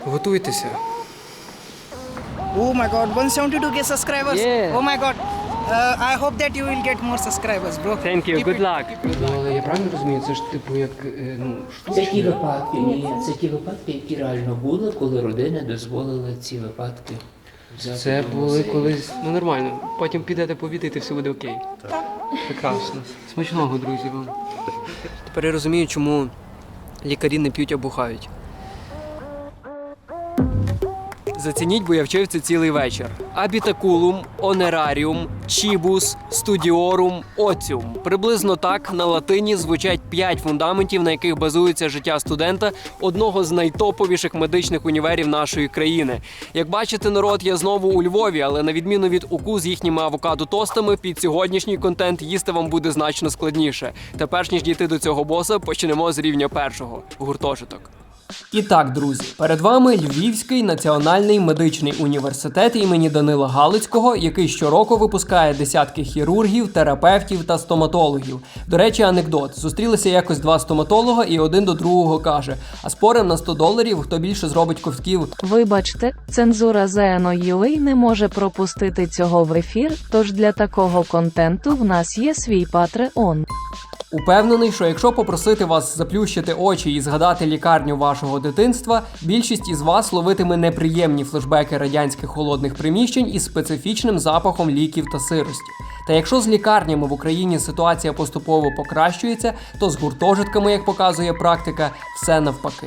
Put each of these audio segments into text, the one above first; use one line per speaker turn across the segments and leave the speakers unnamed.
Готуйтеся.
Oh my god, 172k subscribers.
Yeah.
Oh my god. I hope that you will get more subscribers, bro.
Thank you,
Keep
good
it-
luck.
keep it.
Ну, але я правильно розумію, це ж типу як,
Це ті випадки, це ті випадки, які реально були, коли родини дозволили ці випадки взяти.
Це
до
були
музею.
колись, ну нормально, потім підете повідати, все буде окей. Так. Прекрасно. Смачного, друзі, вам. Тепер я розумію, чому лікарі не п'ють, а бухають. Зацініть, бо я вчив це цілий вечір. Абітакулум, онераріум, чібус, студіорум, оціум. Приблизно так на латині звучать 5 фундаментів, на яких базується життя студента одного з найтоповіших медичних універів нашої країни. Як бачите, народ, я знову у Львові, але на відміну від УКУ з їхніми авокадо-тостами, під сьогоднішній контент їсти вам буде значно складніше. Та перш ніж дійти до цього боса, почнемо з рівня першого – гуртожиток. І так, друзі, перед вами Львівський національний медичний університет імені Данила Галицького, який щороку випускає десятки хірургів, терапевтів та стоматологів. До речі, анекдот. Зустрілися якось 2 стоматолога і один до другого каже: а спорим на $100, хто більше зробить ковтків.
Вибачте, цензура ZNO.UA не може пропустити цього в ефір, тож для такого контенту в нас є свій Patreon.
Упевнений, що якщо попросити вас заплющити очі і згадати лікарню вашого дитинства, більшість із вас ловитиме неприємні флешбеки радянських холодних приміщень із специфічним запахом ліків та сирості. Та якщо з лікарнями в Україні ситуація поступово покращується, то з гуртожитками, як показує практика, все навпаки.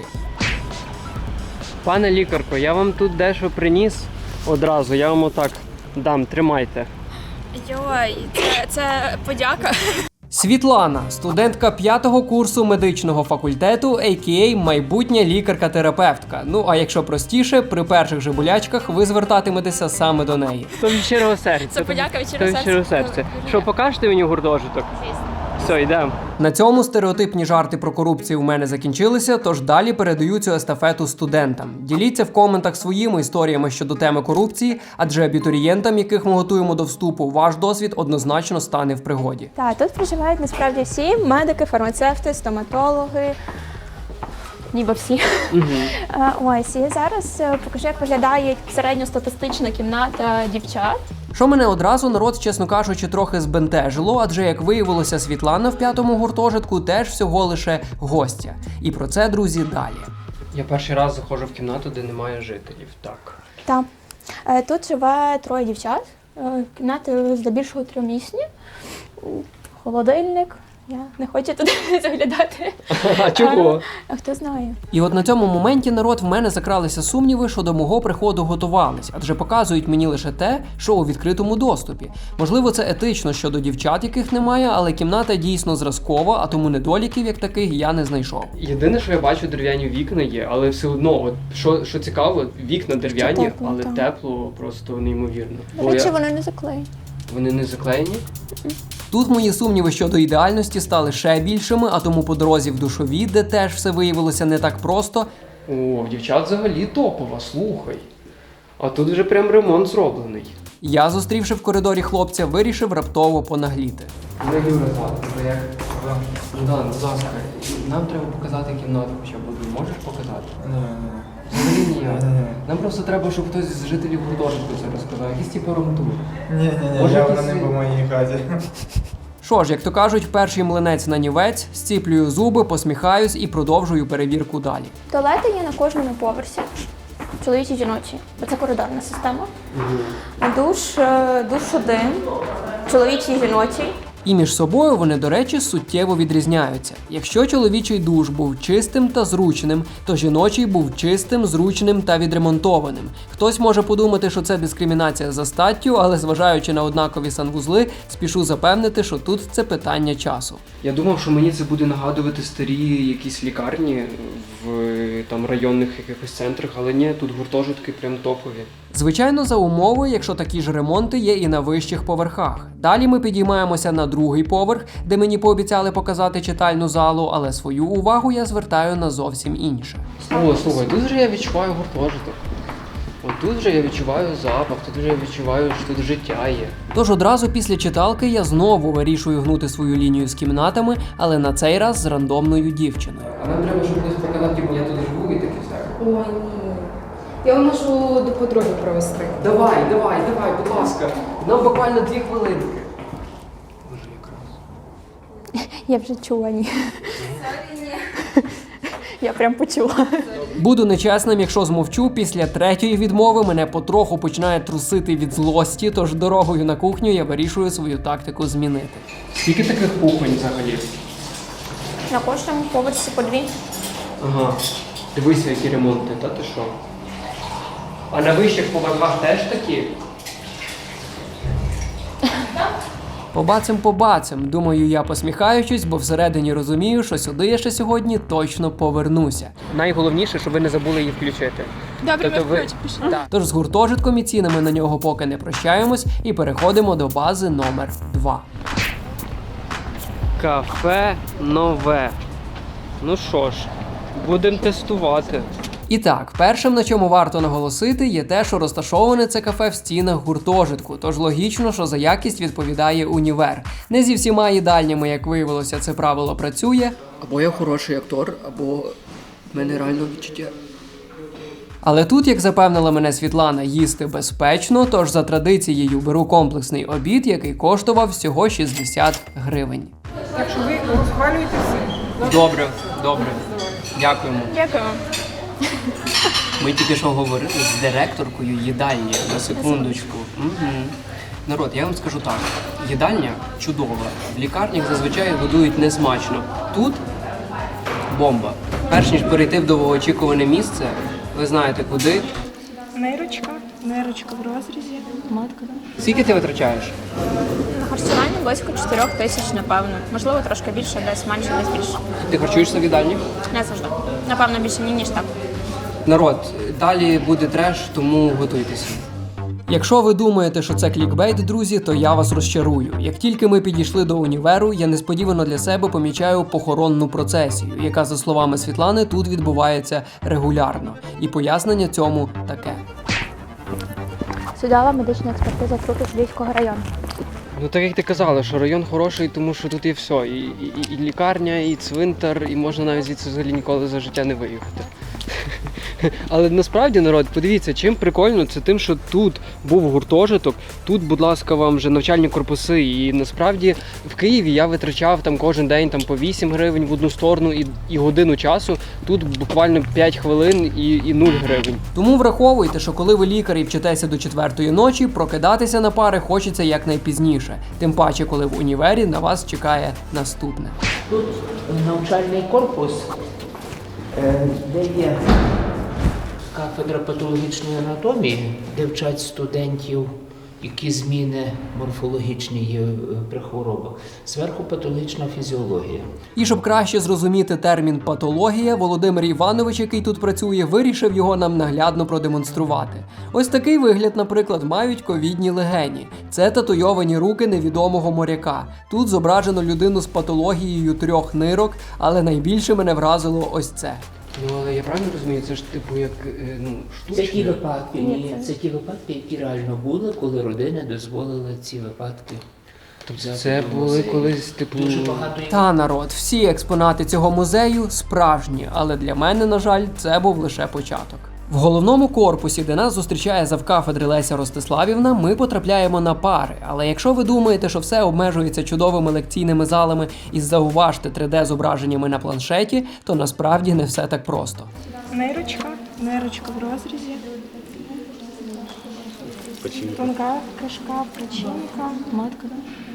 Пане лікарко, я вам тут дещо приніс одразу, я вам отак дам, тримайте.
Йой, це подяка.
Світлана, студентка 5-го курсу медичного факультету, а.к.а. майбутня лікарка-терапевтка. Ну, а якщо простіше, при перших же болячках ви звертатиметеся саме до неї. То від щирого серця.
Це подяка від щирого серця.
Що, покажете мені гуртожиток? Все, йдемо. На цьому стереотипні жарти про корупцію у мене закінчилися, тож далі передаю цю естафету студентам. Діліться в коментах своїми історіями щодо теми корупції, адже абітурієнтам, яких ми готуємо до вступу, ваш досвід однозначно стане в пригоді.
Так, тут проживають насправді всі медики, фармацевти, стоматологи. Ніби всі. Ось, і зараз покажу, як виглядає середньостатистична кімната дівчат.
Що мене одразу, народ, чесно кажучи, трохи збентежило, адже, як виявилося, Світлана в 5-му гуртожитку теж всього лише гостя. І про це, друзі, далі. Я перший раз заходжу в кімнату, де немає жителів, так.
Так. Тут живе 3 дівчат. Кімнати здебільшого 3-місні. Холодильник. Я не хочу туди заглядати.
А чого?
А хто знає?
І от на цьому моменті, народ, в мене закралися сумніви, що до мого приходу готувались, адже показують мені лише те, що у відкритому доступі. Можливо, це етично щодо дівчат, яких немає, але кімната дійсно зразкова, а тому недоліків як таких я не знайшов. Єдине, що я бачу, дерев'яні вікна є, але все одно, от що цікаво, вікна дерев'яні,
тепло,
але
так.
тепло просто неймовірно.
До речі, вони не заклеєні.
Вони не заклеєні? Тут мої сумніви щодо ідеальності стали ще більшими, а тому по дорозі в душові, де теж все виявилося не так просто. О, дівчат взагалі топова, слухай. А тут вже прям ремонт зроблений. Я, зустрівши в коридорі хлопця, вирішив раптово понагліти. Не Юра звати, бо як... Богдан, будь ласка, нам треба показати кімнату хоча б одну. Можеш показати? Взагалі ні. Нам просто треба, щоб хтось з жителів гуртожитку це розказав. Якийсь типу ромтур.
Ні,
Може,
явно
якісь-
не по моїй хаті.
Що ж, як то кажуть, перший млинець на нівець, зціплюю зуби, посміхаюсь і продовжую перевірку далі.
Туалети є на кожному поверсі. Чоловічі, жіночі. Це коридорна система. Душ один. Чоловічий, жіночий.
І між собою вони, до речі, суттєво відрізняються. Якщо чоловічий душ був чистим та зручним, то жіночий був чистим, зручним та відремонтованим. Хтось може подумати, що це дискримінація за статтю, але зважаючи на однакові санвузли, спішу запевнити, що тут це питання часу. Я думав, що мені це буде нагадувати старі якісь лікарні в там районних якихось центрах, але ні, тут гуртожитки прям топові. Звичайно, за умови, якщо такі ж ремонти є і на вищих поверхах. Далі ми підіймаємося на 2-й поверх, де мені пообіцяли показати читальну залу, але свою увагу я звертаю на зовсім інше. О, слухай, тут вже я відчуваю гуртожиток. От тут вже я відчуваю запах, тут вже я відчуваю, що тут життя є. Тож одразу після читалки я знову вирішую гнути свою лінію з кімнатами, але на цей раз з рандомною дівчиною. А нам треба, щоб хтось показав, типу, я тут живу і таке все.
Ой, ні.
Я вам можу до подруги провести.
Давай, будь ласка. Нам буквально 2 хвилинки. Боже, якраз.
Я вже чула, ні. Я прям почула.
Буду нечесним, якщо змовчу, після 3-ї відмови мене потроху починає трусити від злості, тож дорогою на кухню я вирішую свою тактику змінити. Скільки таких кухонь взагалі?
На кожному поверсі по 2.
Ага. Дивися, які ремонти, та ти що? А на вищих поверхах теж такі? Побацем. Думаю, я посміхаючись, бо всередині розумію, що сюди я ще сьогодні точно повернуся. Найголовніше, щоб ви не забули її включити.
Добре,
Тобто ви... Так. Тож з гуртожитком і цінами на нього поки не прощаємось і переходимо до бази номер 2. Кафе нове. Ну що ж, будемо тестувати. І так, першим, на чому варто наголосити, є те, що розташоване це кафе в стінах гуртожитку, тож логічно, що за якість відповідає універ. Не зі всіма їдальнями, як виявилося, це правило працює. Або я хороший актор, або в мене реально відчуття. Але тут, як запевнила мене Світлана, їсти безпечно, тож за традицією беру комплексний обід, який коштував всього 60 гривень.
Якщо ви розхвалюєте всі.
Добре. Дякуємо.
Дякую.
Ми тільки що говорили з директоркою їдальні, на секундочку. Народ, я вам скажу так, їдальня чудова. В лікарнях зазвичай годують несмачно. Тут бомба. Перш ніж перейти в довгоочікуване місце, ви знаєте куди.
Нейрочка в розрізі. Матка.
Скільки ти витрачаєш?
На харчування близько 4 тисяч, напевно. Можливо, трошки більше, десь менше, десь більше.
Ти харчуєшся в їдальні?
Не завжди. Напевно, більше ні, ніж так.
Народ, далі буде треш, тому готуйтеся. Якщо ви думаєте, що це клікбейт, друзі, то я вас розчарую. Як тільки ми підійшли до універу, я несподівано для себе помічаю похоронну процесію, яка, за словами Світлани, тут відбувається регулярно. І пояснення цьому таке.
Судова медична експертиза трупів Львівського району.
Ну так як ти казала, що район хороший, тому що тут є все. І лікарня, і цвинтар, і можна навіть звідси взагалі ніколи за життя не виїхати. Але насправді, народ, подивіться, чим прикольно, це тим, що тут був гуртожиток, тут, будь ласка, вам вже навчальні корпуси. І насправді в Києві я витрачав там кожен день там, по 8 гривень в одну сторону і годину часу. Тут буквально 5 хвилин і 0 гривень. Тому враховуйте, що коли ви лікар і вчитеся до 4-ї ночі, прокидатися на пари хочеться якнайпізніше. Тим паче, коли в універі на вас чекає наступне.
Тут навчальний корпус, де є кафедра патологічної анатомії, де вчать студентів, які зміни морфологічні є при хворобах. Зверху патологічна фізіологія.
І щоб краще зрозуміти термін патологія, Володимир Іванович, який тут працює, вирішив його нам наглядно продемонструвати. Ось такий вигляд, наприклад, мають ковідні легені. Це татуйовані руки невідомого моряка. Тут зображено людину з патологією 3 нирок, але найбільше мене вразило ось це. Ну, але я правильно розумію, це ж типу як,
Це ті випадки, ні, це ті випадки, які реально були, коли родини дозволили ці випадки.
Тобто це були колись типу...
Дуже багато...
Та, народ, всі експонати цього музею справжні, але для мене, на жаль, це був лише початок. В головному корпусі, де нас зустрічає завкафедри Леся Ростиславівна, ми потрапляємо на пари. Але якщо ви думаєте, що все обмежується чудовими лекційними залами із зауважте 3D-зображеннями на планшеті, то насправді не все так просто.
Нейрочка в розрізі. Тонка кишка, печінка, матка.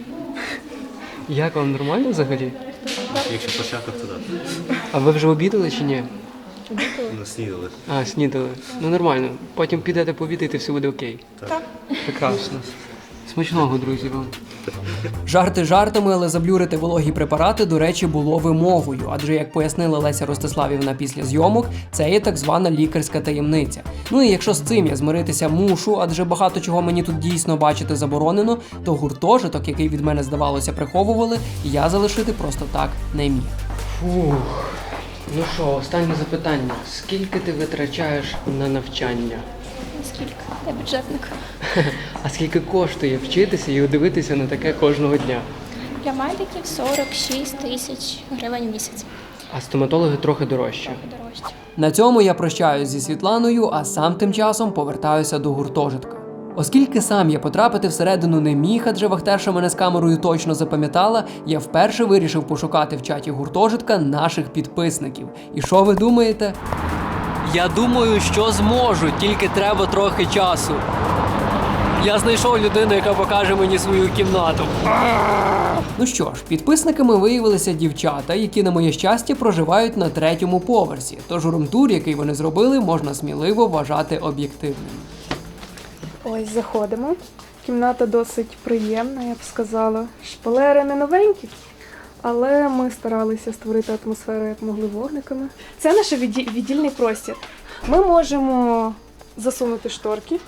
Як вам, нормально взагалі?
Якщо по шахах, то так.
А ви вже обідали чи ні?
Ну, снідали.
А, снідали. Ну нормально. Потім підете пообідати, все буде окей. Так. Прекрасно. Смачного, друзі, вам. Жарти жартами, але заблюрити вологі препарати, до речі, було вимогою. Адже, як пояснила Леся Ростиславівна після зйомок, це є так звана лікарська таємниця. Ну і якщо з цим я змиритися мушу, адже багато чого мені тут дійсно бачити заборонено, то гуртожиток, який від мене, здавалося, приховували, я залишити просто так не міг. Фух. Ну що, останнє запитання. Скільки ти витрачаєш на навчання?
Скільки? Я бюджетник.
А скільки коштує вчитися і дивитися на таке кожного дня?
Для медиків 46 тисяч гривень в місяць.
А стоматологи трохи дорожчі.
Дорожче.
На цьому я прощаюсь зі Світланою, а сам тим часом повертаюся до гуртожитка. Оскільки сам я потрапити всередину не міг, адже вахтерша мене з камерою точно запам'ятала, я вперше вирішив пошукати в чаті гуртожитка наших підписників. І що ви думаєте? Я думаю, що зможу, тільки треба трохи часу. Я знайшов людину, яка покаже мені свою кімнату. Ну що ж, підписниками виявилися дівчата, які, на моє щастя, проживають на 3-му поверсі. Тож румтур, який вони зробили, можна сміливо вважати об'єктивним.
Ось заходимо. Кімната досить приємна, я б сказала. Шпалери не новенькі, але ми старалися створити атмосферу, як могли, вогниками. Це наш віддільний простір. Ми можемо засунути шторки.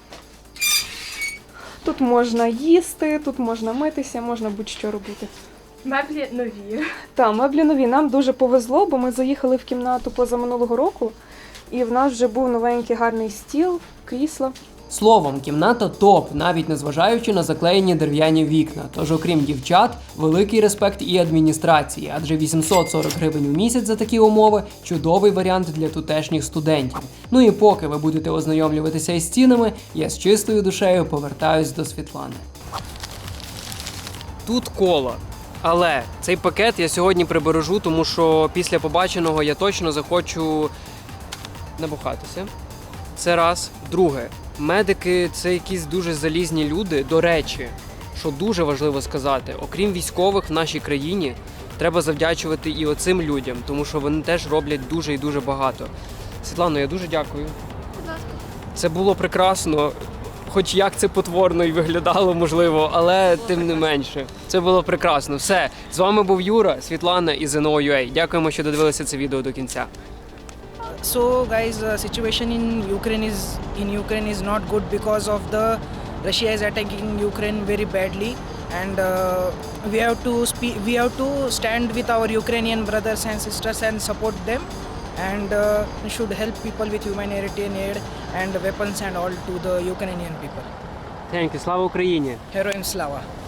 Тут можна їсти, тут можна митися, можна будь-що робити.
Меблі нові.
Так, меблі нові. Нам дуже повезло, бо ми заїхали в кімнату позаминулого року, і в нас вже був новенький гарний стіл, крісло.
Словом, кімната топ, навіть незважаючи на заклеєні дерев'яні вікна. Тож, окрім дівчат, великий респект і адміністрації, адже 840 гривень у місяць за такі умови – чудовий варіант для тутешніх студентів. Ну і поки ви будете ознайомлюватися із стінами, я з чистою душею повертаюсь до Світлани. Тут кола. Але цей пакет я сьогодні прибережу, тому що після побаченого я точно захочу набухатися. Це раз. Друге. Медики – це якісь дуже залізні люди. До речі, що дуже важливо сказати, окрім військових в нашій країні, треба завдячувати і оцим людям, тому що вони теж роблять дуже і дуже багато. Світлано, я дуже дякую.
Будь ласка.
Це було прекрасно, хоч як це потворно і виглядало, можливо, але тим не менше. Це було прекрасно. Все, з вами був Юра, Світлана і ZNO.UA. Дякуємо, що додивилися це відео до кінця.
So guys, situation in Ukraine is not good because of the Russia is attacking Ukraine very badly, and we have to stand with our Ukrainian brothers and sisters and support them, and we should help people with humanitarian aid and weapons and all to the Ukrainian people.
Thank you. Слава Україні!
Heroin Slava!